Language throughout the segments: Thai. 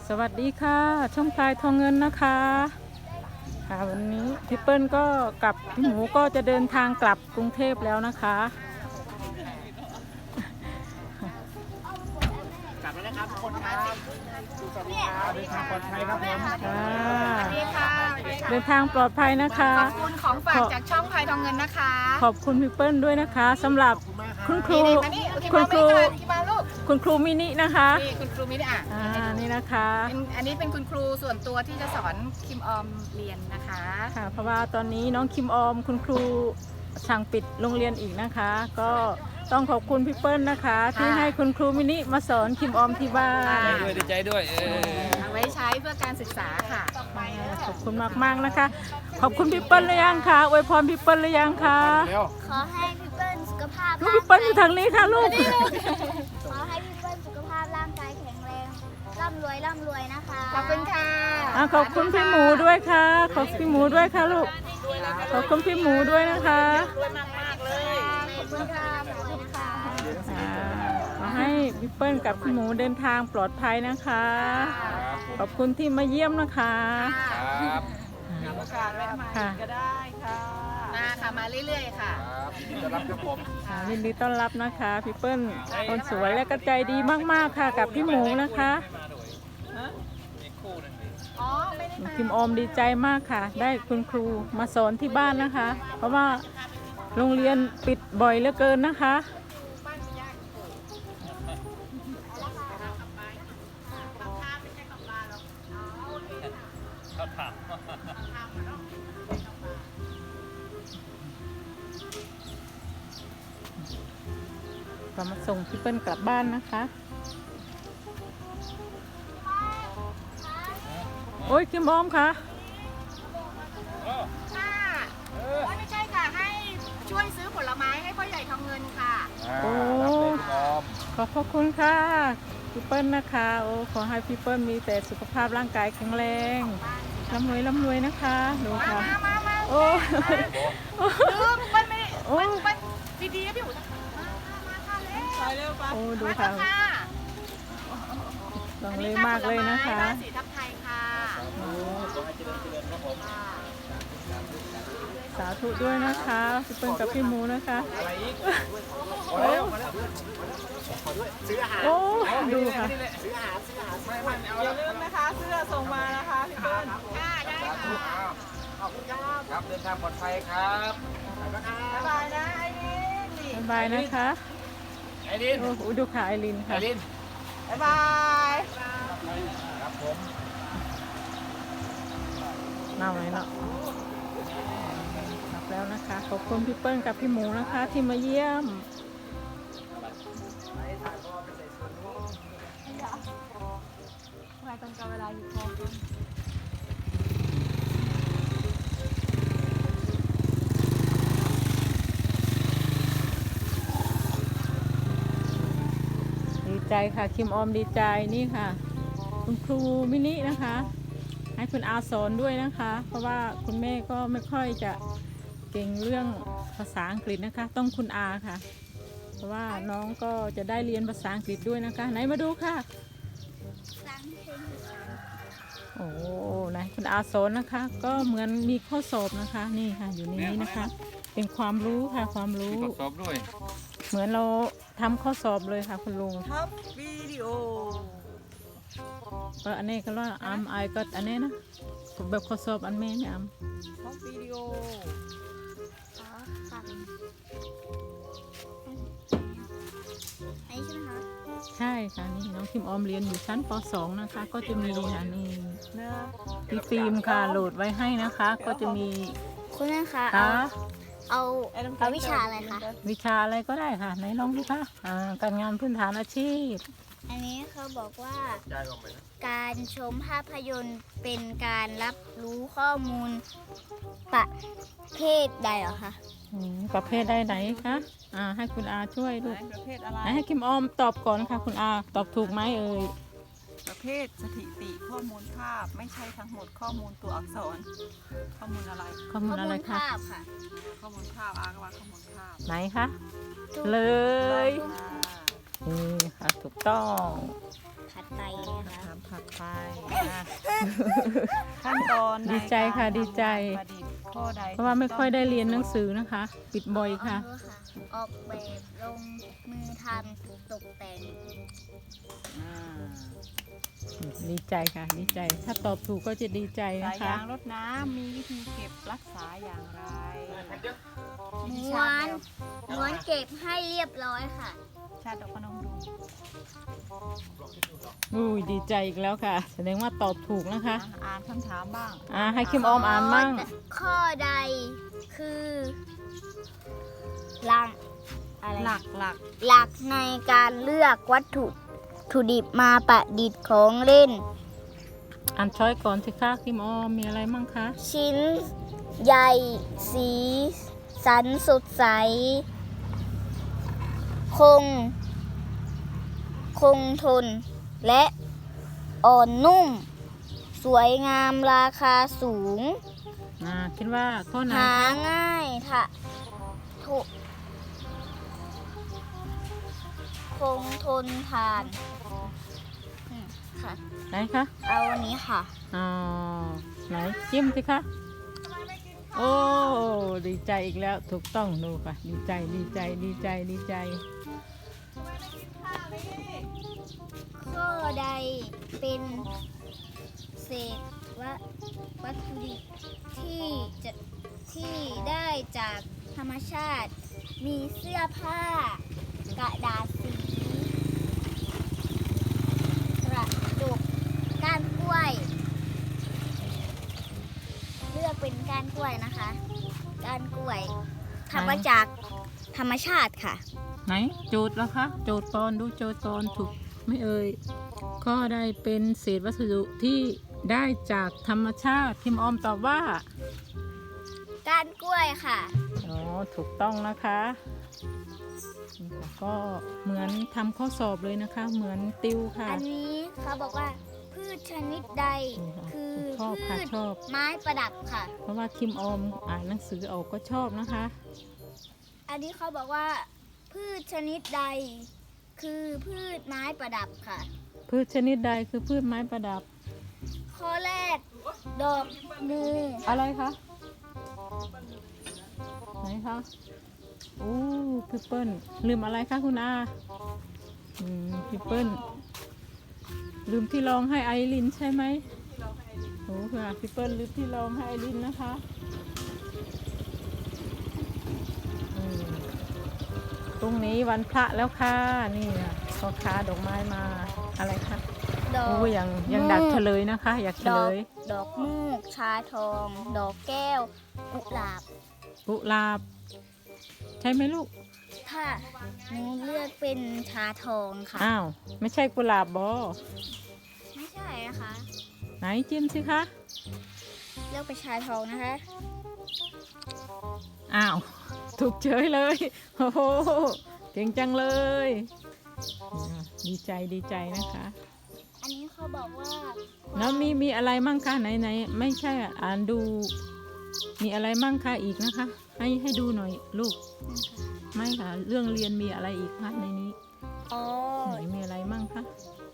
สวัสดีค่ะช่องพลายทองเงินนะคะค่ะวันนี้พี่เปิ้ลก็กับพี่หมูก็จะเดินทางกลับกรุงเทพแล้วนะคะกลับแล้วนะครับทุกคนครับสวัสดีครับเดินทางปลอดภัยครับผมค่ะสวัสดีค่ะเดินทางปลอดภัยนะคะขอบคุณของฝากจากช่องพลายทองเงินนะคะขอบคุณพี่เปิ้ลด้วยนะคะสำหรับคุณครูนี่มานี่คุณครูที่มาลูกคุณครูมินินะคะนี่คุณครูมินี่อ่ะนี่นะคะอันนี้เป็นคุณครูส่วนตัวที่จะสอนคิมออมเรียนนะคะค่ะเพราะว่าตอนนี้น้องคิมออมคุณครูสั่งปิดโรงเรียนอีกนะคะ ก็ต้องขอบคุณพี่เปิ้ลนะคะ ที่ให้คุณครูมินิมาสอนคิมออมที่บ้านดีใจด้วยเอาไว้ใช้เพื่อการศึกษาค่ะขอบคุณมากๆนะคะ ขอบคุณพี่เปิ้ลหรือยังคะอวยพรพี่เปิ้ลหรือยังคะขอให้พี่เปิ้ลสุขภาพลูกพี่เปิ้ลอยู่ทางนี้ค่ะลูกขอให้พี่เปิ้ลสุขภาพร่างกายแข็งแรงร่ำรวยนะคะขอบคุณค่ะขอบคุณพี่หมูด้วยค่ะ ขอบพี่หมูด้วยค่ะลูก ขอบคุณพี่หมูด้วยนะคะขอบคุณค่ะขอบคุณค่ะขอให้พี่เปิ้ลกับพี่หมูเดินทางปลอดภัยนะคะ ขอบคุณที่มาเยี่ยมนะคะครับโอกาสแวะมาค่ะก็ได้ค่ะมาค่ะมาเรื่อยๆค่ะจะรับครับผมยินดีต้อนรับนะคะพี่เปิ้ลคนสวยและก็ใจดีมากๆค่ะกับพี่หมูนะคะอ๋อไม่ได้มาคิมออมดีใจมากค่ะ ได้คุณครูมาสอนที่บ้านนะคะ เพราะว่าโรงเรียนปิดบ่อยเหลือเกินนะคะ ก็มาส่งพี่เปิ้ลกลับบ้านนะคะ โอ้ยคิมออมค่ะค่ะไม่ใช่ค่ะให้ช่วยซื้อผลไม้ให้พ่อใหญ่ทองเงินค่ะขอบพระคุณค่ะพี่เปิ้ลนะคะโอ้ขอให้พี่เปิ้ลมีแต่สุขภาพร่างกายแข็งแรงร่ำรวยนะคะดูค่ะมาโอ้มันไม่โอ้มันดีๆนะพี่อู๋มาค่ะเร็วโอ้ดูค่ะลองเลยมากเลยนะคะบ้านสีทับไทยค่ะโอ้สาธุด้วยนะคะพี่เปิ้ลกับพี่หมูนะคะซื้ออาหารโอ้ดูค่ะซื้ออาหารอย่าลืมนะคะเสื้อส่งมานะคะพี่เปิ้ลค่ะได้ค่ะขอบคุณครับครับเดินทางปลอดภัยครับบ๊ายบายนะไอ้นี่บ๊ายบายนะคะไอรินโอ้โหดูค่ะไอรินไอค่ะรินบ๊ายบายครับผมน่าไหมเนาะกลับแล้วนะคะ ขอบคุณพี่เปิ้ลกับพี่หมูนะคะที่มาเยี่ยมมาตรงกับเวลาอยู่พอดีใจค่ะคิมออมดีใจนี่ค่ะ คุณครูมินินะคะ ให้คุณอาสอนด้วยนะคะ เพราะว่าคุณแม่ก็ไม่ค่อยจะเก่งเรื่องภาษาอังกฤษนะคะ ต้องคุณอาค่ะ เพราะว่าน้องก็จะได้เรียนภาษาอังกฤษด้วยนะคะ ไหนมาดูค่ะฟังเพลงอีสานโอ้ไหนคุณอาสอนนะคะ ก็เหมือนมีข้อสอบนะคะ นี่ค่ะอยู่ในนี้นะคะ เป็นความรู้ค่ะความรู้ทดสอบด้วยเหมือนเราทำข้อสอบเลยค่ะคุณลุงท็อปวิดีโออันนี้ก็ว่าไอก็อันนี้นะแบบข้อสอบอันแม่เนี่ยท็อปวิดีโออ๋อค่ะอันนี้ใช่ไหมคะใช่ค่ะนี่น้องคิมออมเรียนอยู่ชั้นป .2 นะคะ ก็จะมีค่ะนี่เนื้อพี่ฟิล์มค่ะโหลดไว้ให้นะคะ ก็จะมีคุณแม่คะค่ะเอาวิชาอะไรคะวิชาอะไรก็ได้ค่ะไหนลองดูค่ะการงานพื้นฐานอาชีพอันนี้เขาบอกว่าย้ายออกไปนะการชมภาพยนตร์เป็นการรับรู้ข้อมูลประเภทใดเหรอคะประเภทได้ไหนคะให้คุณอาช่วยลูกประเภทอะไรไหนให้คิมออมตอบก่อนค่ะคุณอาตอบถูกไหมเอ่ยประเภทสถิติข้อมูลภาพไม่ใช่ทั้งหมดข้อมูลตัวอักษร ข้อมูลอะไรข้อมูลอะไรคะภาพค่ะข้อมูลภาพอาก็ว่าข้อมูลภาพไหนคะเลยอ่านี่ค่ะถูกต้องภผัดไทยนะคะทำผัดไทยนะขั้นตอนในดีใจค่ะการดีใจทำประดิษฐ์ข้อใดเพราะว่าไม่ค่อยได้เรียนหนังสือนะคะ ปิดบ่อยค่ะออกแบบลงมือทำตกแต่งอ่าดีใจค่ะ ดีใจ ถ้าตอบถูกก็จะดีใจสานะยคะยางรดน้ำมีวิธีเก็บรักษาอย่างไรม้วนม้วนเก็บให้เรียบร้อยค่ะชาติดอกพนมดูอุ้ยดีใจอีกแล้วค่ะ แสดงว่าตอบถูกนะคะอ่านคำถามบ้างให้คิมออมอ่านมั่งข้อใดคือหลักอะไรหลักหลักในการเลือกวัตถุดิบมาประดิษฐ์ของเล่นอ่านช้อยก่อนสิคะคิมออมมีอะไรมั่งคะชิ้นใหญ่สีสันสดใส คงทน และอ่อนนุ่ม สวยงามราคาสูงคิดว่าข้อไหนหาง่ายถูกคงทนทานค่ะไหนคะเอาอันนี้ค่ะอ๋อไหนจิ้มสิคะ โอ้ดีใจอีกแล้วถูกต้องดูค่ะ ดีใจดีใจดีใจดีใจข้อใดเป็นเศษวัตถุดิบที่ได้จากธรรมชาติ มีเสื้อผ้ากระดาษสีกระจกก้านกล้วย เลือกเป็นก้านกล้วยนะคะก้านกล้วยทำมาจากธรรมชาติค่ะไหนโจทย์แล้วคะโจทย์ตอนดูโจทย์ตอนถูกไม่เอ่ยข้อใดเป็นเศษวัสดุที่ได้จากธรรมชาติคิมออมตอบว่าก้านกล้วยค่ะอ๋อถูกต้องนะคะนี่ค่ะก็เหมือนทำข้อสอบเลยนะคะ เหมือนติวค่ะอันนี้เขาบอกว่าพืชชนิดใดนี่ค่ะคือชอบค่ะพืชชอบไม้ประดับค่ะเพราะว่าคิมออมอ่านหนังสือออกก็ชอบนะคะอันนี้เขาบอกว่า พืชชนิดใด คือพืชไม้ประดับค่ะพืชชนิดใดคือพืชไม้ประดับข้อแรก ดอกมืออะไรคะไหนคะโอ้พี่เปิ้ลลืมอะไรคะคุณอาพี่เปิ้ลลืมที่รองให้ไอรินใช่ไหมโอ้ค่ะพี่เปิ้ลลืมที่รองให้ไอรินนะคะพรุ่งนี้วันพระแล้วค่ะนี่ค่ะพ่อค้าดอกไม้มาอะไรคะดอกโอ้ยังดักเฉลยนะคะ อยากเฉลยดอกมูก ชาทอง ดอกแก้ว กุหลาบกุหลาบ ใช่ไหมลูกถ้าหนูเลือกเป็นชาทองค่ะอ้าว ไม่ใช่กุหลาบบอไม่ใช่นะคะไหนจิ้มสิคะเลือกเป็นชาทองนะคะอ้าว ถูกเฉยเลย โอ้โห เก่งจังเลยดีใจดีใจนะคะอันนี้เขาบอกว่าแล้วมีอะไรมั่งคะไหนไม่ใช่อ่านดู มีอะไรมั่งคะอีกนะคะ ให้ดูหน่อยลูก ไม่ค่ะ เรื่องเรียนมีอะไรอีกคะในนี้อ๋อไหนมีอะไรมั่งคะ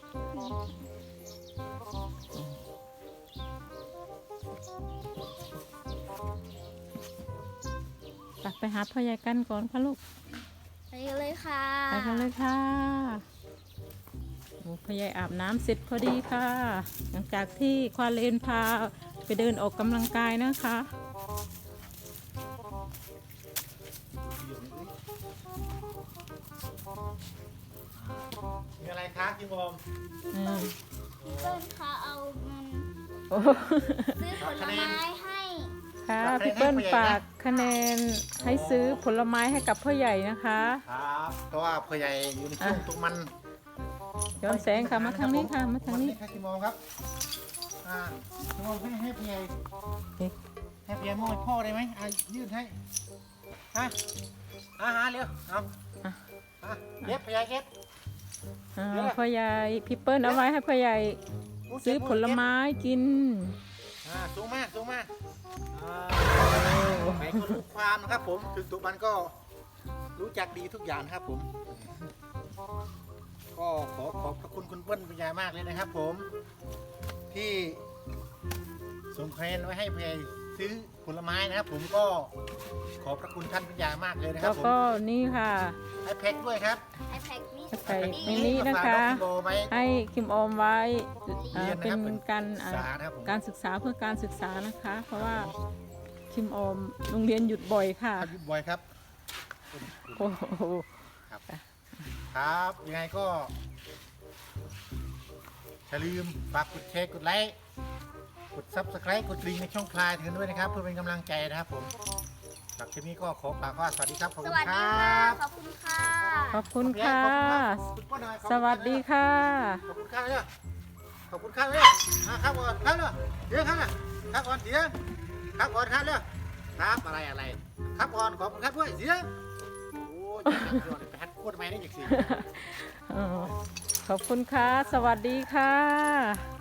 ไปหาพ่อใหญ่กันก่อนค่ะลูกไปกันเลยค่ะไปกันเลยค่ะโอ้พ่อใหญ่อาบน้ำเสร็จพอดีค่ะ หลังจากที่ควาเลนพาไปเดินออกกำลังกายนะคะมีอะไรคะคิมอมอืมพี่เปิ้ลคะเอาเงินโอ้ซื้อผลไม้ให้ค่ะพี่เปิ้ลฝากคะแนนให้ซื้อผลไม้ให้กับพ่อใหญ่นะคะครับเพราะว่าพ่อใหญ่อยู่ในช่วงตรงมันย้อนแสงค่ะมาทางนี้ค่ะมาทางนี้ครับคิมอมครับคิมอมให้พ่อใหญ่เอ๊ะให้พ่อใหญ่มอบให้พ่อได้ไหมยืดให้ฮะหาเร็วเอาเก็บพ่อใหญ่เก็บพ่อใหญ่พี่เปิ้ลเอาไว้ให้พ่อใหญ่ซื้อผลไม้กินสูงมากไหนก็รู้ความนะครับผมถึงตัวมันก็รู้จักดีทุกอย่างนะครับผมก็ขอบพระคุณคุณเปิ้ลเป็นอย่างมากเลยนะครับ ผมที่ส่งแควนไว้ให้เพยซื้อผลไม้นะครับ ผมก็ขอบพระคุณท่านเป็นอย่างมากเลยนะคแล้รัวบผมก็นี่ค่ะให้แพ็คด้วยครับไอแพคนี่ไข่มินินะคะมาฝากองกิโลไว้ให้คิมออมไว้เรียนนะเป็ครันบเป็นการศึกษานะครับผมการศึกษาเพื่อการศึกษานะคะ เพราะว่าคิมออมโรงเรียนหยุดบ่อยค่ะครับยุบบอยครับโอ้โหครับยังไงก็อย่าลืมฝากกดแชร์กดไลค์กด Subscribe กดกระดิ่งในช่องพลายถึงด้วยนะครับเพื่อเป็นกำลังใจนะครับผมสำหรับคลิปนี้ก็ขอฝากว่าสวัสดีครับขอบสคุณวัสคดีรัค่ะบขอบคุณค่ะขอบคุณค่ะขอบคุณป้าหน่อยสวัสดีค่ะขอบคุณค่ะเนี่ยขอบคุณค่ะเนี่ยครับก่อนครับเลยเดี๋ยวครับนะครับก่อนเสียงครับก่อนครับเลยครับอะไรครับก่อนขอบคุณครับด้วยเสียงโอ้ยไปฮัดโคตรไม่ได้จากสิขอบคุณค่ะ สวัสดีค่ะ